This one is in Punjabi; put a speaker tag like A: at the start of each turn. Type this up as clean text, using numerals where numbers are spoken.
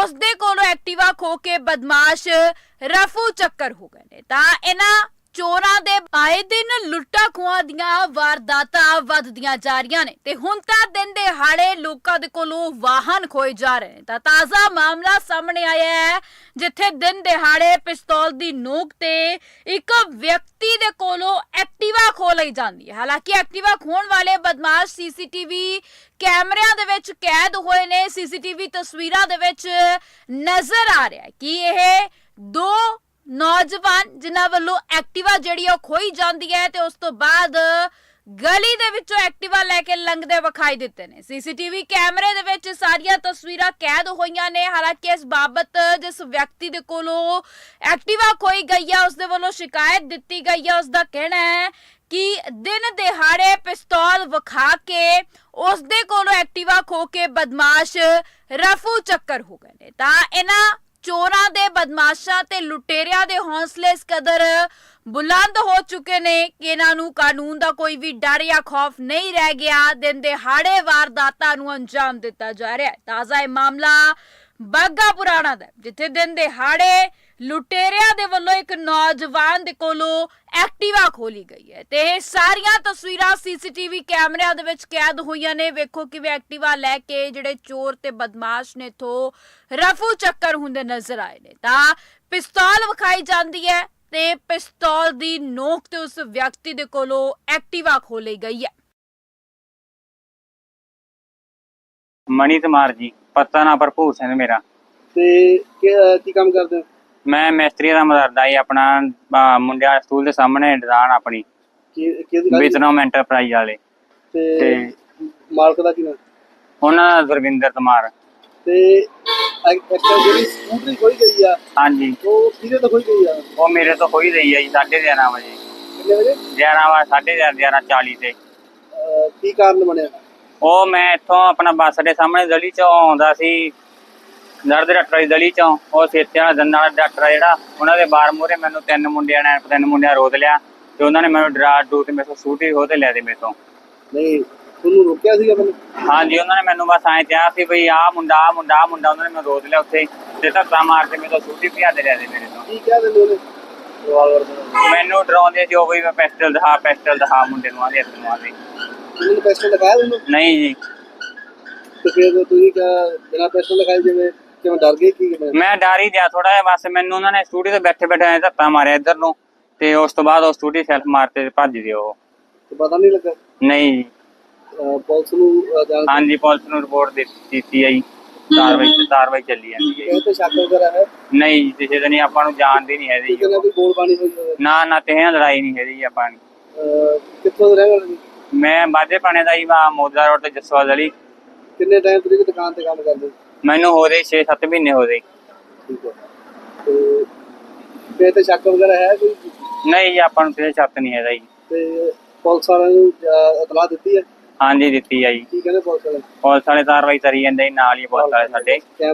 A: ਉਸ ਦੇ ਕੋਲੋਂ ਐਕਟਿਵਾ ਖੋ ਕੇ ਬਦਮਾਸ਼ ਰਫੂ ਚੱਕਰ ਹੋ ਗਏ ਨੇ। ਤਾਂ ਇਹਨਾਂ ਚੋਰਾਂ ਦੇ ਆਏ ਦਿਨ ਲੁੱਟਾਂ ਖੋਹਾਂ ਦੀਆਂ ਵਾਰਦਾਤਾਂ ਵੱਧਦੀਆਂ ਜਾ ਰਹੀਆਂ ਨੇ ਤੇ ਹੁਣ ਤਾਂ ਦਿਨ ਦਿਹਾੜੇ ਲੋਕਾਂ ਦੇ ਕੋਲੋਂ ਵਾਹਨ ਖੋਏ ਜਾ ਰਹੇ ਨੇ। ਤਾਂ ਤਾਜ਼ਾ ਮਾਮਲਾ ਸਾਹਮਣੇ ਆਇਆ ਹੈ ਜਿੱਥੇ ਦਿਨ ਦਿਹਾੜੇ ਪਿਸਤੌਲ ਦੀ ਨੋਕ ਤੇ ਇੱਕ ਵਿਅਕਤੀ ਦੇ ਕੋਲੋਂ ਐਕਟਿਵਾ ਖੋ ਲਈ ਜਾਂਦੀ ਹੈ। ਹਾਲਾਂਕਿ ਐਕਟਿਵਾ ਖੋਣ ਵਾਲੇ ਬਦਮਾਸ਼ ਸੀਸੀਟੀਵੀ ਕੈਮਰਿਆਂ ਦੇ ਵਿੱਚ ਕੈਦ ਹੋਏ ਨੇ। ਸੀਸੀਟੀਵੀ ਤਸਵੀਰਾਂ ਦੇ ਵਿੱਚ ਨਜ਼ਰ ਆ ਰਿਹਾ ਹੈ ਕਿ ਇਹ ਦੋ ਨੌਜਵਾਨ ਜਿਨ੍ਹਾਂ ਵੱਲੋਂ ਐਕਟਿਵਾ ਜਿਹੜੀ ਉਹ ਖੋਈ ਜਾਂਦੀ ਹੈ ਤੇ ਉਸ ਤੋਂ ਬਾਅਦ ਗਲੀ ਦੇ ਵਿੱਚੋਂ ਐਕਟਿਵਾ ਲੈ ਕੇ ਲੰਘਦੇ ਵਿਖਾਈ ਦਿੱਤੇ ਨੇ। ਸੀਸੀਟੀਵੀ ਕੈਮਰੇ ਦੇ ਵਿੱਚ ਸਾਰੀਆਂ ਤਸਵੀਰਾਂ ਕੈਦ ਹੋਈਆਂ ਨੇ। ਹਾਲਾਂਕਿ ਇਸ ਬਾਬਤ ਜਿਸ ਵਿਅਕਤੀ ਦੇ ਕੋਲੋਂ ਐਕਟਿਵਾ ਖੋਈ ਗਈ ਹੈ ਉਸ ਦੇ ਵੱਲੋਂ ਸ਼ਿਕਾਇਤ ਦਿੱਤੀ ਗਈ ਹੈ। ਉਸ ਦਾ ਕਹਿਣਾ ਹੈ ਕਿ ਦਿਨ ਦਿਹਾੜੇ ਪਿਸਤੌਲ ਵਿਖਾ ਕੇ ਉਸ ਦੇ ਕੋਲੋਂ ਐਕਟਿਵਾ ਖੋ ਕੇ ਬਦਮਾਸ਼ ਰਫੂ ਚੱਕਰ ਹੋ ਗਏ ਨੇ। ਤਾਂ ਇਹਨਾਂ ਚੋਰਾਂ ਦੇ ਬਦਮਾਸ਼ਾਂ ਤੇ ਲੁਟੇਰਿਆਂ ਦੇ ਹੌਸਲੇ ਇਸ ਕਦਰ ਬੁਲੰਦ ਹੋ ਚੁੱਕੇ ਨੇ ਕਿ ਇਹਨਾਂ ਨੂੰ ਕਾਨੂੰਨ ਦਾ ਕੋਈ ਵੀ ਡਰ ਜਾਂ ਖੌਫ ਨਹੀਂ ਰਹਿ ਗਿਆ। ਦਿਨ ਦਿਹਾੜੇ ਵਾਰਦਾਤਾਂ ਨੂੰ ਅੰਜਾਮ ਦਿੱਤਾ ਜਾ ਰਿਹਾ ਹੈ। ਤਾਜ਼ਾ ਇਹ ਮਾਮਲਾ ਬਾਘਾ ਪੁਰਾਣਾ ਦਾ ਜਿੱਥੇ ਦਿਨ ਦਿਹਾੜੇ ਲੁਟੇਰਿਆਂ ਦੇ ਵੱਲੋਂ ਇੱਕ ਨੌਜਵਾਨ ਦੇ ਕੋਲੋਂ ਐਕਟਿਵਾ ਖੋਲੀ ਗਈ ਹੈ ਤੇ ਇਹ ਸਾਰੀਆਂ ਤਸਵੀਰਾਂ ਸੀਸੀਟੀਵੀ ਕੈਮਰਿਆਂ ਦੇ ਵਿੱਚ ਕੈਦ ਹੋਈਆਂ ਨੇ। ਵੇਖੋ ਕਿਵੇਂ ਐਕਟਿਵਾ ਲੈ ਕੇ ਜਿਹੜੇ ਚੋਰ ਤੇ ਬਦਮਾਸ਼ ਨੇ ਇੱਥੋਂ ਰਫੂ ਚੱਕਰ ਹੁੰਦੇ ਨਜ਼ਰ ਆਏ ਨੇ। ਤਾਂ ਪਿਸਤੌਲ ਵਿਖਾਈ ਜਾਂਦੀ ਹੈ ਤੇ ਪਿਸਤੌਲ ਦੀ ਨੋਕ ਤੇ ਉਸ ਵਿਅਕਤੀ ਦੇ ਕੋਲੋਂ ਐਕਟਿਵਾ ਖੋਲੀ ਗਈ ਹੈ।
B: ਮਨੀ ਕੁਮਾਰ ਜੀ, ਪਤਾ ਨਾ ਭਰਪੂਰ ਸਿੰਘ ਮੇਰਾ।
C: ਤੇ ਕੀ ਕੰਮ ਕਰਦੇ ਹੋ?
B: ਮੈਂ ਮਿਸਤਰੀ ਦਾ ਮਦਰਦਾ ਜੀ। ਆਪਣਾ ਮੁੰਡਿਆਂ ਸਕੂਲ ਦੇ ਸਾਹਮਣੇ ਦੁਕਾਨ ਆਪਣੀ ਵਿਤਨਮ ਐਂਟਰਪ੍ਰਾਈਜ਼ ਵਾਲੇ
C: ਤੇ ਮਾਲਕ ਦਾ ਕੀ ਨਾਮ?
B: ਉਹਨਾਂ ਦਾ ਗੁਰਵਿੰਦਰ ਕੁਮਾਰ।
C: ਤੇ ਜਿਹੜੀ ਸਕੂਟਰੀ ਖੋਈ ਗਈ ਆ,
B: ਹਾਂਜੀ,
C: ਉਹ ਕਿਹਦੇ ਤੋਂ ਖੋਈ ਗਈ ਆ?
B: ਉਹ ਮੇਰੇ ਤੋਂ ਖੋਈ ਗਈ ਹੈ ਜੀ 11:30 ਵਜੇ।
C: ਕਿੰਨੇ ਵਜੇ?
B: 11:40 ਤੇ।
C: ਕੀ ਕਾਰਨ ਬਣਿਆ?
B: ਉਹ ਮੈਂ ਇੱਥੋਂ ਆਪਣਾ ਬੱਸ ਦੇ ਸਾਹਮਣੇ ਗਲੀ ਚੋਂ ਆਉਂਦਾ ਸੀ, ਦਰਦ ਡਾਕਟਰ ਦੀ ਗਲੀ ਚੋਂ। ਉਹ ਸੇਤੇ ਵਾਲਾ ਦੰਦਾਂ ਵਾਲਾ ਡਾਕਟਰ ਜਿਹੜਾ, ਉਹਨਾਂ ਦੇ ਬਾਰ ਮੂਹਰੇ ਮੈਨੂੰ ਤਿੰਨ ਮੁੰਡਿਆਂ ਰੋਕ ਲਿਆ ਤੇ ਉਹਨਾਂ ਨੇ ਮੈਨੂੰ ਡਰਾ ਡੂ ਤੇ ਮੇਰੇ ਤੋਂ ਸਕੂਟਰੀ ਖੋਹ ਤੇ ਲੈ ਦੇ ਮੇਰੇ ਤੋਂ।
C: ਨਹੀਂ, ਤੁਹਾਨੂੰ ਰੋਕਿਆ ਸੀਗਾ ਮੈਨੂੰ?
B: ਹਾਂਜੀ, ਉਹਨਾਂ ਨੇ ਮੈਨੂੰ ਬਸ ਐਂ ਕਿਹਾ ਸੀ ਬਈ ਆਹ ਮੁੰਡਾ ਉਹਨਾਂ ਨੇ ਮੈਨੂੰ ਰੋਕ ਲਿਆ ਉੱਥੇ ਤੇ ਧੱਕਾ ਮਾਰ ਕੇ ਮੇਰੇ ਤੋਂ ਸਕੂਟਰੀ ਭਜਾ ਦੇ ਲੈ ਦੇ ਮੇਰੇ ਤੋਂ।
C: ਕੀ ਕਿਹਾ ਤੈਨੂੰ ਉਹਨੇ?
B: ਮੈਨੂੰ ਡਰਾਉਂਦੇ ਸੀ ਉਹ ਬਈ ਮੈਂ ਪਿਸਟਲ ਦਿਖਾ ਮੁੰਡੇ ਨੂੰ ਆਦੇ ਹੱਥ ਨੂੰ ਆਦੇ।
C: ਤੁਸੀਂ ਪਿਸਟਲ ਦਿਖਾਇਆ ਤੈਨੂੰ?
B: ਨਹੀਂ ਜੀ।
C: ਤੇ ਫਿਰ ਤੁਸੀਂ ਬਿਨਾਂ ਪਿਸਟਲ ਦਿਖਾਏ ਜਿਵੇਂ ਕਿਉਂ ਡਰ ਗਏ? ਕੀ
B: ਮੈਂ ਡਰ ਹੀ ਗਿਆ ਥੋੜਾ ਜਿਹਾ। ਬਸ ਮੈਨੂੰ ਉਹਨਾਂ ਨੇ ਸਕੂਟੀ ਤੇ ਬੈਠੇ ਐਂ ਧੱਕਾ ਮਾਰਿਆ ਇੱਧਰ ਨੂੰ ਤੇ ਉਸ ਤੋਂ ਬਾਅਦ ਉਹ ਸਕੂਟੀ ਸੈਲਫ ਮਾਰ ਤੇ ਭੱਜ ਗਏ ਉਹ।
C: ਪਤਾ ਨਹੀਂ ਲੱਗਾ?
B: ਨਹੀਂ ਜੀ।
C: ਪੁਲਿਸ ਨੂੰ
B: ਹਾਂਜੀ, ਪੁਲਿਸ ਨੂੰ ਰਿਪੋਰਟ ਦਿੱਤੀ ਹੈ ਜੀ। ਕਾਰਵਾਈ ਚੱਲੀ ਜਾਂਦੀ ਹੈ।
C: ਇਹ ਤੇ ਸ਼ੱਕ ਵਗੈਰਾ ਹੈ?
B: ਨਹੀਂ ਜੀ, ਕਿਸੇ ਦਾ ਨਹੀਂ। ਆਪਾਂ ਨੂੰ ਜਾਣਦੇ ਨਹੀਂ ਹੈਗੇ
C: ਜੀ। ਕੋਈ ਗੋਲ ਬਾਣੀ ਹੋਈ ਹੋਵੇ?
B: ਨਾ ਕਿਸੇ ਨਾਲ ਲੜਾਈ ਨਹੀਂ ਹੈਗੀ ਜੀ ਆਪਾਂ ਨੂੰ।
C: ਕਿੱਥੋਂ ਦੇ ਰਹਿਣ ਵਾਲੇ?
B: ਮੈਂ ਬਾਜੇ ਪਾਣੇ ਦਾ ਜੀ, ਮੋਦਾ ਰੋਡ ਤੇ ਜਸਵਾਲ ਗਲੀ।
C: ਕਿੰਨੇ ਟਾਈਮ ਤੋਂ ਦੁਕਾਨ ਤੇ ਕੰਮ ਕਰਦੇ?
B: ਮੈਨੂੰ ਹੋ ਗਏ 6-7 ਮਹੀਨੇ ਹੋ ਗਏ।
C: ਠੀਕ ਹੈ। ਤੇ ਤੇ ਸ਼ੱਕ ਵਗੈਰਾ ਹੈ ਕੋਈ?
B: ਨਹੀਂ ਜੀ, ਆਪਾਂ ਨੂੰ ਕਿਸੇ ਸ਼ੱਕ ਨਹੀਂ ਹੈਗਾ ਜੀ।
C: ਤੇ ਪੁਲਿਸ ਵਾਲਿਆਂ ਨੂੰ ਇਤਲਾਹ ਦਿੱਤੀ ਹੈ?
B: ਹਾਂਜੀ, ਦਿੱਤੀ ਹੈ ਜੀ।
C: ਕੀ ਕਹਿੰਦੇ ਪੁਲਿਸ ਵਾਲੇ?
B: ਪੁਲਿਸ ਵਾਲੇ ਕਾਰਵਾਈ ਕਰੀ ਜਾਂਦੇ ਨਾਲ ਹੀ ਪੁਲਿਸ ਵਾਲੇ ਸਾਡੇ।